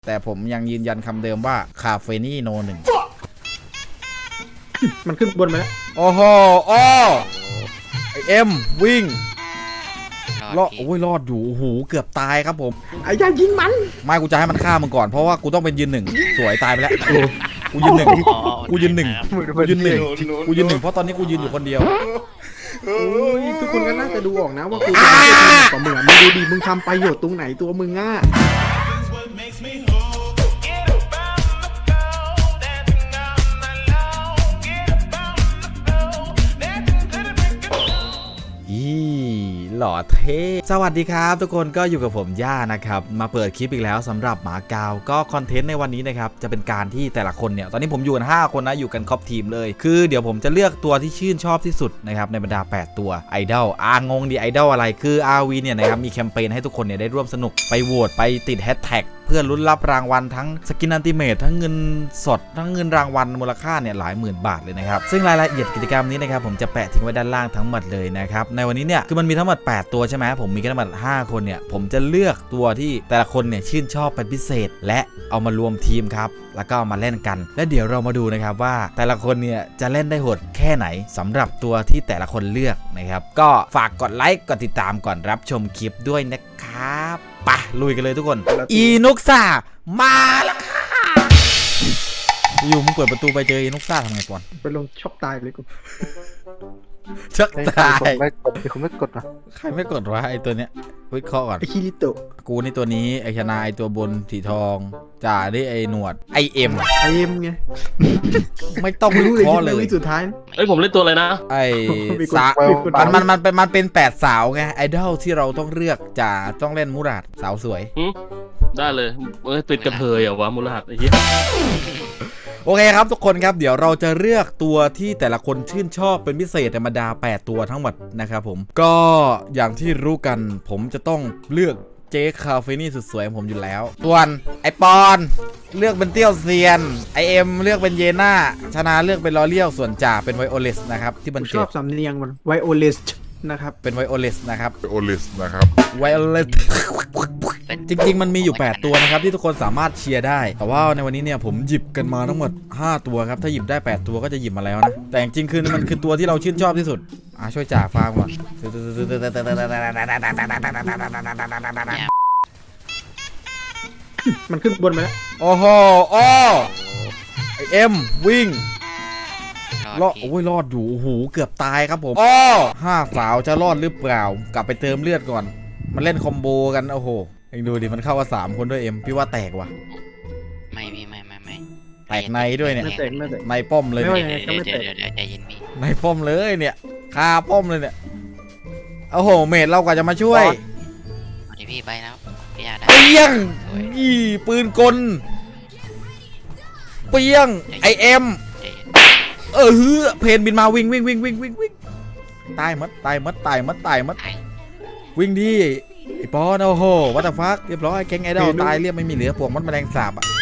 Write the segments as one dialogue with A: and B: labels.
A: แต่ผมยังยืนยันคำเดิมว่าคาเฟนี่โนหนึ่ง
B: มันขึ้นบนไหม
A: โอ้โหโอ้ไอเอ็มวิ่งรอดโอ้ยรอดอยู่โอ้โหเกือบตายครับผม
B: ไอ้ย่ายิงมัน
A: ไม่กูจะให้มันฆ่ามึงก่อนเพราะว่ากูต้องเป็นยืนหนึ่งสวยตายไปแล้วกูยืนหนึ่งกูยืนหนึ่งกูยืนหนึ่งกูยืนหนึ่งเพราะตอนนี้กูยืนอยู่คนเดียว
B: ทุกคนก็น่าจะดูออกนะว่ากูเป็นกว่ามึงมึงดูดิมึงทำประโยชน์ตรงไหนตัวมึงอ่ะ
A: หล่อเท่สวัสดีครับทุกคนก็อยู่กับผมย่านะครับมาเปิดคลิปอีกแล้วสำหรับหมากาวก็คอนเทนต์ในวันนี้นะครับจะเป็นการที่แต่ละคนเนี่ยตอนนี้ผมอยู่กัน5คนนะอยู่กันครบทีมเลยคือเดี๋ยวผมจะเลือกตัวที่ชื่นชอบที่สุดนะครับในบรรดา8ตัวไอดอลงงดิไอดอลอะไรคือ RV เนี่ยนะครับมีแคมเปญให้ทุกคนเนี่ยได้ร่วมสนุกไปโหวตไปติดแฮชแท็กเพื่อลุ้นรับรางวัลทั้งสกินอัลติเมททั้งเงินสดทั้งเงินรางวัลมูลค่าเนี่ยหลายหมื่นบาทเลยนะครับซึ่งรายละเอียดกิจกรรมนี้นะครับผมจะแปะทิ้งไว้ด้านล่างทั้งหมดเลยนะครับในวันนี้เนี่ยคือมันมีทั้งหมด8ตัวใช่ไหมผมมีกันทั้งหมด5คนเนี่ยผมจะเลือกตัวที่แต่ละคนเนี่ยชื่นชอบเป็นพิเศษและเอามารวมทีมครับแล้วก็มาเล่นกันและเดี๋ยวเรามาดูนะครับว่าแต่ละคนเนี่ยจะเล่นได้โหดแค่ไหนสำหรับตัวที่แต่ละคนเลือกนะครับก็ฝากกดไลค์กดติดตามก่อนรับชมคลิปด้วยนะครับไปลุยกันเลยทุกคนอีนุกซ่ามาแล้วค่ะอยู่มึงเปิดประตูไปเจออีนุกซ่าทำไงก่อน
B: ไปลงช็อปตายเลยกู
A: ช็อกตาย
C: ไม่กดมีคนไม่กดนะ
A: ใครไม่กดวะไอตัวเนี้ยวิเคราะห์ก่อน
B: ไอคิริโตะ
A: กูนี่ตัวนี้ไอชนะไอตัวบนสีทองจ่าได้ไอหนวดไอเอ็ม
B: ไง
A: ไม่ต้องวิเคราะห์เลย
B: สุดท้าย
D: เอ้ยผมเล่นตัวอะไรนะ
A: ไอสามันเป็น8 สาวไงไอดอลที่เราต้องเลือกจ่าต้องเล่นมูราดสาวสวย
D: ได้เลยติดกระเทยเหรอวะมูลหัดไอ้เหี้ย
A: โอเคครับทุกคนครับเดี๋ยวเราจะเลือกตัวที่แต่ละคนชื่นชอบเป็นพิเศษธรรมดา8ตัวทั้งหมดนะครับผมก็อย่างที่รู้กันผมจะต้องเลือกเจ๊คาเฟนี่สุดสวยของผมอยู่แล้วส่วนไอปอนเลือกเป็นเตี้ยวเซียนไอเอ็มเลือกเป็นเยน่าชนะเลือกเป็นลอเลียวส่วนจ่าเป็นไวโอเลสนะครับที่มัน
B: ชอบสำเนียงมันไวโอเลสนะครับ
A: เป็นไวโอเลสนะครับไวโอเลสจริงๆมันมีอยู่8ตัวนะครับที่ทุกคนสามารถเชียร์ได้แต่ว่าในวันนี้เนี่ยผมหยิบกันมาทั้งหมด5ตัวครับถ้าหยิบได้8ตัวก็จะหยิบมาแล้วนะแต่จริงๆคือมันคือตัวที่เราชื่นชอบที่สุดช่วยจ่าฟาร์มก่อน
B: มันขึ้นบนไหม
A: โอ้โหโอ้ไอเอ็มวิ่งรอดโอ้ยรอดอยู่โอ้โหเกือบตายครับผมอ้อ5 สาวจะรอดหรือเปล่ากลับไปเติมเลือดก่อนมันเล่นคอมโบกันโอ้โหเอ็งดูดิมันเข้ามา3 คนด้วยเอ็มพี่ว่าแตกว่ะ
E: ไม่
A: แตกในด้วยเนี่ยในป้อมเลยเนี่ย
E: ใจเย็นพี่
A: ในป้อมเลยเนี่ยคาป้อมเลยเนี่ยโอ้โหเมดเรากว่าจะมาช่วย
E: พี่ไปแล้วพี่ได้
A: เปี้ยงยี่ปืนกลเปี้ยงไอเอ็มเพนบินมาวิ่งตายมัดวิ่งดิไอปอนโอ้โหวัตถุฟักเรียบร้อยแก๊งไอดอลตายเรียบไม่มีเหลือพวกมันแมลงสาบอ่ะ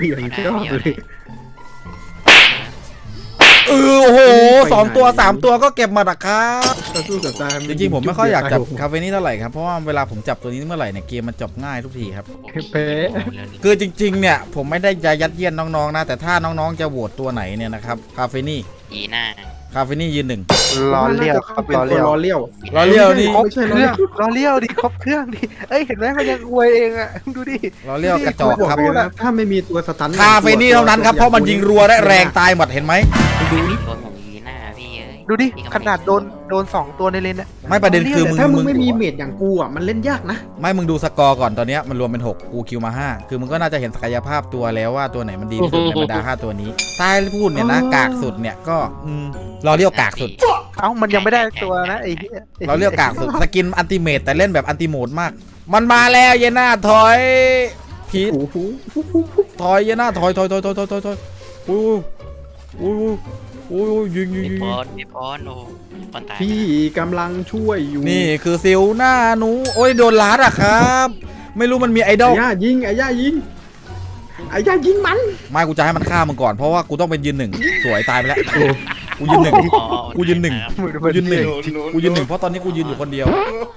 A: โอ้โห2 ตัว3 ตัวก็เก็บมาดักครับจริงๆผมไม่ค่อยอยากจับคาเฟนี่เท่าไหร่ครับเพราะว่าเวลาผมจับตัวนี้เมื่อไหร่เนี่ยเกมมันจบง่ายทุกทีครับคือจริงๆเนี่ยผมไม่ได้จะยัดเยียดน้องๆนะแต่ถ้าน้องๆจะโหวตตัวไหนเนี่ยนะครับคาเฟนี่คาเฟนี่ยืน1
C: รอเลี้ยวครับรอเลี้
A: ยวนี่
C: รอเลี้ยวดิครบเครื่องดิเอ้ยเห็นไหมมันยังอวยเองอ่ะดูดิ
A: รอเลี้ยวกระจอกครับ
B: ถ้าไม่มีตัวสตัน
A: คาเฟนี่เท่านั้นครับเพราะมันยิงรัวได้แรงตายหมดเห็นไหม
C: ดูดิขนาดโดน2 ตัวในเลนอะ
A: ไม่ประเด็นคือ
B: ถ้ามึงไม่มีเมจอย่างกูอ่ะมันเล่นยากนะ
A: ไม่มึงดูสกอร์ก่อนตอนนี้มันรวมเป็น6กูคิวมา5คือมึงก็น่าจะเห็นศักยภาพตัวแล้วว่าตัวไหนมันดีที่สุดในบรรดา5ตัวนี้ใต้พูดเนี่ยนะกากสุดเนี่ยก็เราเรียกกากสุด
C: มันยังไม่ได้ตัวนะไอ้
A: เราเรียกกากสุดสกินอันติเมทแต่เล่นแบบอันติโหมดมากมันมาแล้วเยน่าถอยพีทถอยเยน่าถอยยิง
E: พี่พรโอ้
B: พี่กำลังช่วยอยู่
A: นี่คือซิลหน้าหนูโอ้ยโดนลัดอะครับไม่รู้มันมีไอดอล
B: ไอ้ย่ายิงมัน
A: ไม่กูจะให้มันฆ่ามึงก่อนเพราะว่ากูต้องเป็นยืน1สวยตายไปแล้วกูยืน1เพราะตอนนี้กูยืนอยู่คนเดียว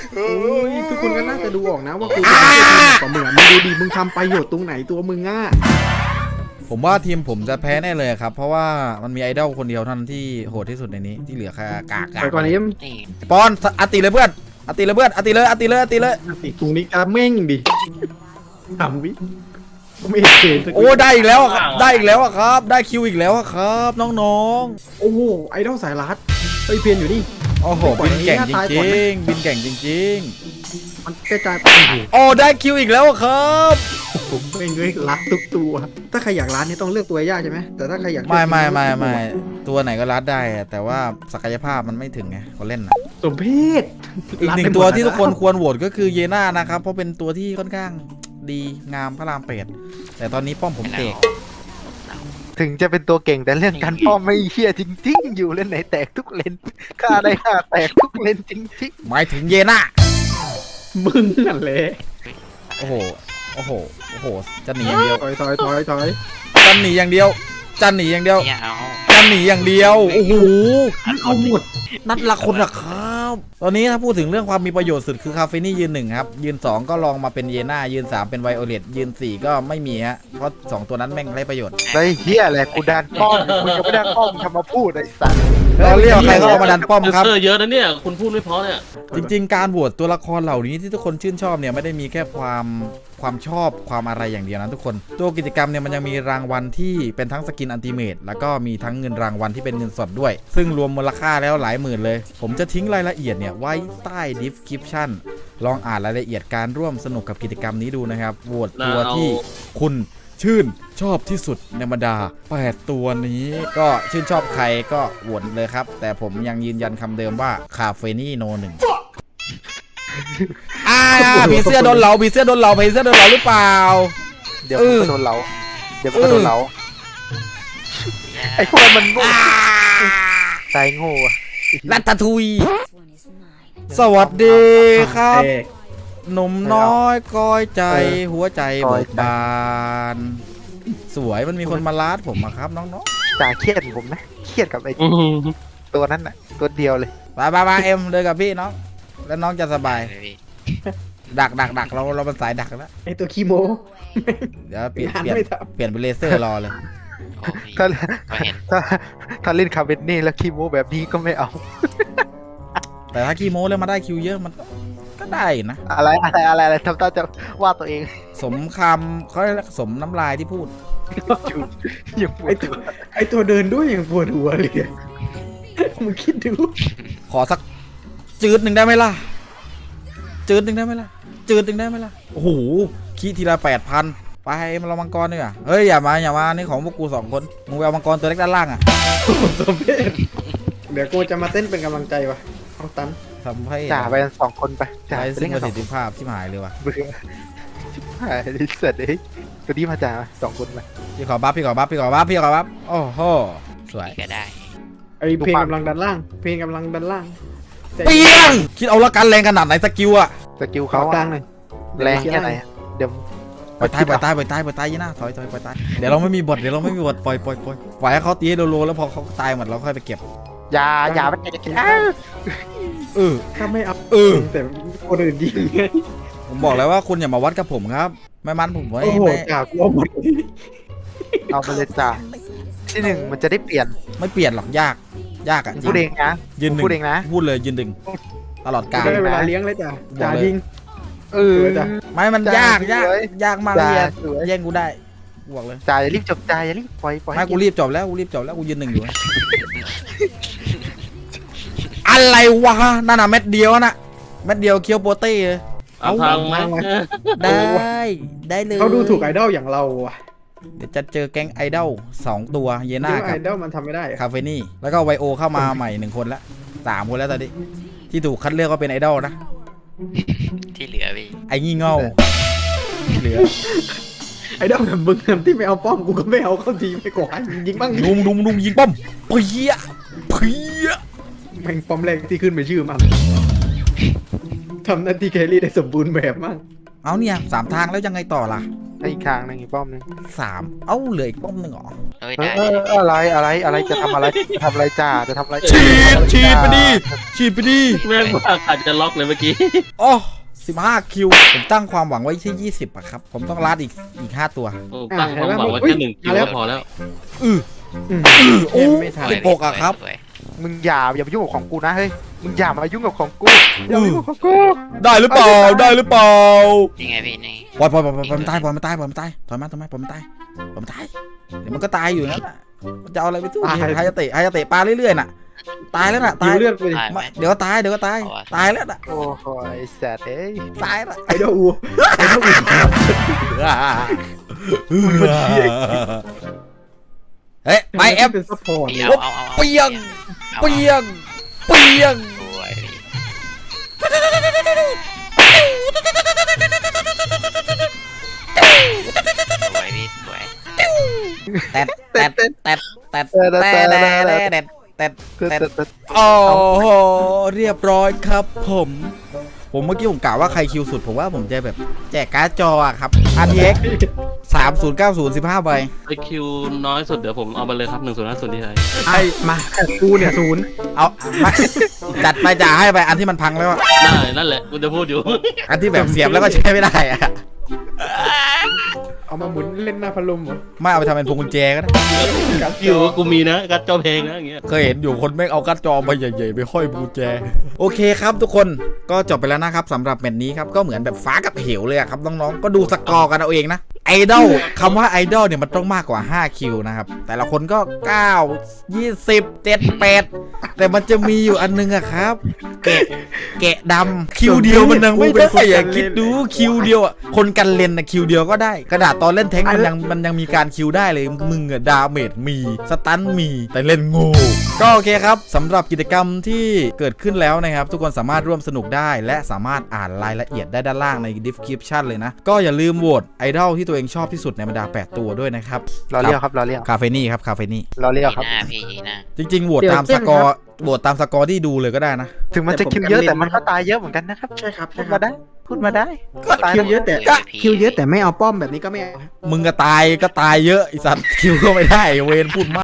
B: โอ้ยทุกคนก็น่าจะดูออกนะว่ากูเป็นทีมกว่ามึงมึงดูดิมึงทำประโยชน์ตรงไหนตัวมึงอ่ะ
A: ผมว่าทีมผมจะแพ้แน่เลยครับเพราะว่ามันมีไอดอลคนเดียวเท่านั้นที่โหดที่สุดในนี้ที่เหลือแค่กาก
B: ไปก่อนนี้
E: นี่
A: ปอนอติเลยเพื่อนอติเลยเพื่อนอติเลยอติเลยอติเลย
B: ติดตรงนี้กระเม่งดิทำวิไม่เห็นเกณฑ์สักที
A: โอ้ได้อีกแล้วอะครับได้อีกแล้วอะครับ ได้คิวอีกแล้วอะครับน้อง
B: โอ้โหไอดอลสายลัดเฮ้ยเพียนอยู่นี่
A: ๆโอ้โหบินเก่งจริงๆบินเก่งจริง
B: มันกระจายไปโอ้โห
A: ๆโอ้ได้คิวอีกแล้วอะครับ
B: ผมไม่เงยรัดทุกตัวถ้าใครอยากรัดนี่ต้องเลือกตัวยากใช่ไหมแต่ถ้าใครอยาก
A: ไม่ตัวไหนก็รัดได้อะแต่ว่าศักยภาพมันไม่ถึงไงคนเล่นนะ
B: สมเพศ
A: อีกหนึ่งตัวที่ทุกคนควรโหวตก็คือเยน่านะครับเพราะเป็นตัวที่ค่อนข้างดีงามพระรามเป็ดแต่ตอนนี้ป้อมผมเตก
C: ถึงจะเป็นตัวเก่งแต่เรื่องการป้อมไม่เฮี้ยจริงๆ อยู่เล่นไหนแตกทุกเลนฆ่าได้ฆ่าแตกทุกเลนจริง
A: หมายถึงเยน่า
B: มึงนั่นแหละ
A: โอ้โหโอ้โหโอ้โหจะหนีอย่างเดียว
B: ถอย
A: จะหนีอย่างเดียวจะหนีอย่างเดียว
E: เนี่ยเอา
A: จะหนีอย่างเดียวโอ้โห
B: เอาหมด
A: นัดละคนนะครับตอนนี้ถ้าพูดถึงเรื่องความมีประโยชน์สุดคือคาเฟนี่ยืน1ครับยืน2ก็ลองมาเป็นเยน่ายืน3เป็นไวโอเลตยืน4ก็ไม่มีฮะเพราะ2ตัวนั้นแม่งไร้ประโยชน์
C: ๆได้เฮี้ยอะไรกูดันป้อมกูยังไม่ดันป้อมทำมาพูดไอ้สัตว์
A: เราเรียกใครก็เอามาดันป้อมครับ
D: เซอร์เยอะนะเนี่ยคุณพูดไม่เพราะเนี่ย
A: จริงๆ การโหวตตัวละครเหล่านี้ที่ทุกคนชื่นชอบเนี่ยไม่ได้มีแค่ความชอบความอะไรอย่างเดียวนะทุกคนตัวกิจกรรมเนี่ยมันยังมีรางวัลที่เป็นทั้งสกินอันติเมตแล้วก็มีทั้งเงินรางวัลที่เป็นเงินสดด้วย ซึ่งรวมมูลค่าแล้วหลายหมื่นเลย ผมจะทิ้งรายละเอียดเนี่ยไว้ใต้ description ลองอ่านรายละเอียดการร่วมสนุกกับกิจกรรมนี้ดูนะครับโหวตตัวที่คุณชื่นชอบที่สุดในบรรดา8ตัวนี้ก็ชื่นชอบใครก็โหวตเลยครับแต่ผมยังยืนยันคำเดิมว่าคาเฟนี่โน1ผีเสื้อโดนเหลาผีเสื้อโดนเหลาผีเสื้อโดนเหลาหรือเปล่า
C: เดี๋ยวมันก็โดนเราเดี๋ยวมันก็โดนเราไอ้พวกมันโง่ตายโง่อะ
A: ลัตตาทุยสวัสดีครับหนุ่มน้อยก้อยใจหัวใจเบิกบานสวยมันมีคนมาลาดผมอะครับน้อง
C: จ่าเครียดผมนะเครียดกับไอ้ตัวนั้นน่ะตัวเดียวเลย
A: ๆมาเอ็มเลยกับพี่น้องแล้วน้องจะสบาย
E: เลยพี่
A: ดักเราเป็นสายดักแล้ว
B: ไอตัวคีโม
A: เดี๋ยวเปลี่ยน
B: งาน
A: เปลี่ยน
B: ไม่ท
A: เปลี่ยนเป็นเลเซอร์รอเลย
E: โอ้พี่
C: ถ้า
E: ก็เห็น
C: ถ้าเล่นคาเวนนี่แล้วคีโมแบบนี้ก็ไม่เอา
A: แต่ถ้าคีโมแล้วมาได้คิวเยอะมันก็ได้นะ
C: อะไรทำตาจะว่าตัวเอง
A: สมคำเขาเรียกสมน้ำลายที่พูด
C: อยู่ยังป
B: ำ
C: วดหัว
B: ไอตัวเดินด้วยอย่างปวดหัวเลยอะมึงคิดดู
A: ขอสักจืดหนึ่งได้ไหมล่ะจืดหนึ่งได้ไหมล่ะจืดหนึ่งได้ไหมล่ะโอ้โหขี้ทีละ8,000ไปมาเรามังกรดีกว่าเฮ้ยอย่ามานี่ของพวกกู2คนมึงไปเอามังกรตัวเล็กด้านล่างอ่ะ
B: สมเพศเดี๋ยวกูจะมาเต้นเป็นกำลังใจวะเอาตัน
A: ทำให้
C: จ่าไปกัน2 คนไปจ่า
A: ใช้
C: ไป
A: ซึ่
C: เล่
A: ง
C: น
A: ป
C: กัน
A: ระสิทธิภาพที่หายเลยว่ะ
C: เบื่อชิบหายดิสัตว์เอ้ยตัวนี้มาจ่า2 คนไป
A: พี่ขอบัฟโอ้โหสวย
E: พี่ก็ได้
B: ไอเพลงกำลังดันล่าง เพลงกำลังดันล่าง
A: เปียงคิดเอาละกันแรงขนาดไหนสกิลอะ
C: สกิล
B: ขอ
C: เขา
B: กลางหน่อย
C: แรงแค่ไหนอะเดี๋ยว
A: ปล่อยตายยี่หน้าถอยปล่อยตายเดี๋ยวเราไม่มีบทปล่อยให้เขาตีให้โลแล้วพอเขาตายหมดเราค่อยไปเก็บ
C: อย่ามันจะกิน
B: ถ้าไม่เอา แต่คนอื่นยิงไง
A: ผมบอกแล้วว่าคุณอย่ามาวัดกับผมครับไม่มันผมไม่
B: โอ้โห
A: ไม่
B: กากลัวหมด
C: เอาไปเลยจ่าที่1มันจะได้เปลี่ยน
A: ไม่เปลี่ยนหรอกยากอะจริ
C: พูดเองนะ
A: ยืนหนึ่ง
C: พูดเองนะ
A: พูดเลยยืนหนึ่งตลอดกาล
B: ได้เวลาเลี้ยงเลยจ้ะจ่ายิง
C: เออ
B: จ้ะ
A: ไม่มัน
C: จ้าย
A: าก
C: สวย
A: มากเลย
C: จ้าสวย
A: แย่งกูได้บอกเลย
C: จ่าอย่ารีบจบจ่าอย่ารีบปล่อย
A: ไม่กูรีบจบแล้วกูยืนหนึ่งอยู่ อะไรวะนั่นน่ะเม็ดเดียวน่ะเม็ดเดียวเคียวโปเต้เลย
D: เอาทางมา
A: ได้เลย
B: เขาดูถูกไอดอลอย่างเราอ่ะ
A: เดี๋ยวจะเจอแก๊งไอดอล2ตัวเยน่า
B: ที่ว่า
A: กั
B: ไอบ ดอลมันทำไม่ได้อะ
A: คาเฟนี่แล้วก็ไวโอเข้ามาใหม่1คนละ3คนแล้วตอนนี้ที่ถูกคัดเลือกก็เป็นไอดอลนะ
E: ที่เหลือพี่
A: ไอ้งี่เง่าเหลือ
B: ไอดอลแบบมึงที่ไม่เอาป้อมกูก็ไม่เอาเข้าทีไม่ก่อนยิงบ้างดิ
A: ดุมยิงป้อมเพี้ย
B: แม่งป้อมแรกที่ขึ้นเป็นชื่อมันทำหน้าที่แครี่ได้สมบูรณ์แบบมาก
A: เอาเนี่ย3 ทางแล้วยังไงต่อล่ะ
C: อีกทางหนึงอีกป้อมหนึง
A: 3เอ้าเหลืออีกป้อมหนึ่งเหรอ
E: เอ้ย
C: เอ
E: ได้
C: ออะไรจะทำอะไรจ้าจะทำอะไร
A: ฉีดไปดิฉีดไปดิ
D: แม่งว่าอาจจะล็อกเลยเมื่อกี้
A: โอ้15 คิวผมตั้งความหวังไว้ที่20อะครับผมต้องลัดอีก5 ตัว
D: โอ้ตั้งความหวังไว้แค่1 คิวก็พอแล้ว
A: โอ้
B: ไม่ทัน
A: 16อะครับ
E: สวย
C: มึงอย่ามายุ่งกับของกูนะเฮ้ยมึงอย่ามายุ่งกับของกูอย่ามายุ่งกับของกู
A: ได้หรือเปล่าได้หรือเปล่า
E: ยังไงพี่นี่
A: ปล่อยมันตายถอยมาปล่อยมันตายเดี๋ยวมันก็ตายอยู่นั่นแหละมันจะเอาอะไรไปสู้ไฮยาเตะปลาเรื่อยๆน่ะตายแล้วน่ะ
B: คิ
A: ตายว
B: เลือดไปดิ
E: ตายไหม
A: เดี๋ยวก็ตายตายแล้วน่ะ
C: โอ้โหไอ้สัตว์เอ้ย
A: ตายแล้ว
B: ไอดอลอูไอดอลอู
A: เฮ้ยไปเอฟ
B: เป็นซัพพอร์ต
E: พี่
B: เลย
E: เอา
A: เปียง
E: อา
A: เปียง
E: สวยพี่สวยพี่สวย
A: แต่โอ้โหเรียบร้อยครับผมเมื่อกี้ผมกล่าวว่าใครคิวสุดผมว่าผมจะแบบแจกการ์ดจออะครับ RTX 3090 15ใบ
D: ไอคิวน้อยสุดเดี๋ยวผมเอาไปเลยครับ1050ที่ไทย
B: ไอมากูเนี่ยศูนย์
A: เอามาจัดไปจ่าให้ไปอันที่มันพังแล้วอะ
D: ได้นั่นแหละกูจะพูดอยู่
A: อันที่แบบเสียบแล้วก็ใช้ไม่ได้อะ
B: เอามาหมุนเล่นหน้าพัดลมเหรอ
A: ไม่เอาไปทำเป็นพวงกุญแจก็ได้
D: อยู่กูมีนะกัดจอเพลงนะอย่างเงี้ย
A: เคยเห็นอยู่คนแม่งเอาการ์ดจอใบใหญ่ๆไปห้อยพวงกุญแจโอเคครับทุกคนก็จบไปแล้วนะครับสำหรับแมตช์นี้ครับก็เหมือนแบบฟ้ากับเหวเลยอะครับน้องๆก็ดูสกอร์กันเอาเองนะไอดอลคำว่าไอดอลเนี่ยมันต้องมากกว่า5 คิวนะครับแต่ละคนก็9 20 7 8แต่มันจะมีอยู่อันนึงอะครับแกะดำคิวเดียวมันยังไม่ได้อะคิดดูคิวเดียวอะคนกันเลนนะคิวเดียวก็ได้กระดาษตอนเล่นแท้งมันยังมีการคิวได้เลยมึงอะดาเมจมีสตันมีแต่เล่นงูก็โอเคครับสำหรับกิจกรรมที่เกิดขึ้นแล้วนะครับทุกคนสามารถร่วมสนุกได้และสามารถอ่านรายละเอียดได้ด้านล่างใน description เลยนะก็อย่าลืมโหวตไอดอลที่ตัวเองชอบที่สุดในบรรดา8 ตัวด้วยนะครับ
C: รอเรียกครับรอเรียก
A: คาเฟนี่ครับคาเฟนี่
C: รอเรียก
E: ยี
C: ครับ
E: หน้าพี่ยีหน้า
A: จริงๆโหวตตามสกอร์โหวตตามสกอร์ที่ดูเลยก็ได้นะ
C: ถึงมันจะคิวเยอะแต่มันก็ตายเยอะเหมือนกันนะครับ
B: ใช่ครับ
C: พูดมาได้ก็ตาย
B: คิวเยอะแต่คิวเยอะแต่ไม่เอาป้อมแบบนี้ก็ไม่เอา
A: มึงก็ตายเยอะไอสัตว์คิวก็ไม่ได้เวนพูดมาก